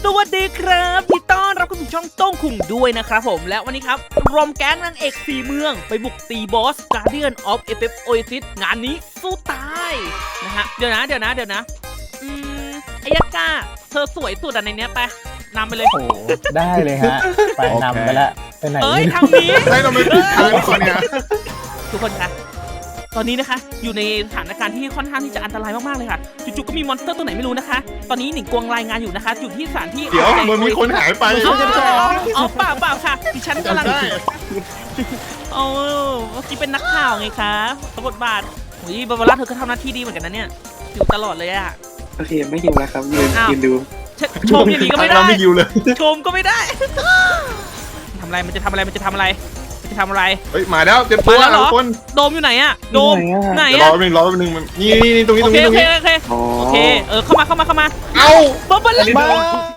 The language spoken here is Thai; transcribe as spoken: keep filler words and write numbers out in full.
สวัสดีครับที่ต้อนรับคุณผู้ชมต้งคุงด้วยนะครับผมและวันนี้ครับรวมแก๊งนางเอกสี่เมืองไปบุกตีบอส Guardian of e f f Oasis งานนี้สู้ตายนะฮะเดี๋ยวนะเดี๋ยวนะเดี๋ยวนะอืมไอ้ยักษ์ก้าเธอสวยสุดอะในเนี้ยไปนำไปเลยโอ้โหได้เลยฮะไปนำไปละไปไหนเอ้ยไม่รู้ทางนี้ให้เราไปติดทางก่อนเนี่ยทุกคนคะตอนนี้นะคะอยู่ในสถานการณ์ที่ค่อนข้างที่จะอันตรายมากๆเลยค่ะจู่ๆก็มีมอนสเตอร์ตัวไหนไม่รู้นะคะ ตอนนี้หนิงกวงรายงานอยู่นะคะอยู่ที่สถานที่เดี๋ยวมันมีคนหายไปอ๋ออ๋อเปล่าเปล่าค่ะดิฉันกำลังได้โอ้เมื่อกี้เป็นนักข่าวไงคะสมบทบาทโอ้ยบาบาร่าเธอก็ทำหน้าที่ดีเหมือนกันนะเนี่ยอยู่ตลอดเลยอะโอเคไม่หิวแล้วครับยืนอ้าวยืนดูชชมอย่างนี้ก็ไม่ได้เราไม่ยิวเลยชมก็ไม่ได้ทำอะไรมันจะทำอะไรมันจะทำอะไรมันจะทำอะไรเฮ้ยมาแล้วเต็มตัวมาแล้วเหรอทุกคนโดมอยู่ไหนอะโดมไหนเดี๋ยวรออะแป๊บนึงรอแป๊บนึงมันนี่นี่นี่ตรงนี้โอตรงเคนี้ตโอรงเคนี้โอเคอ๋อโอเคเออเข้ามาเข้ามาเข้ามาเอ้าบาบาร่ามา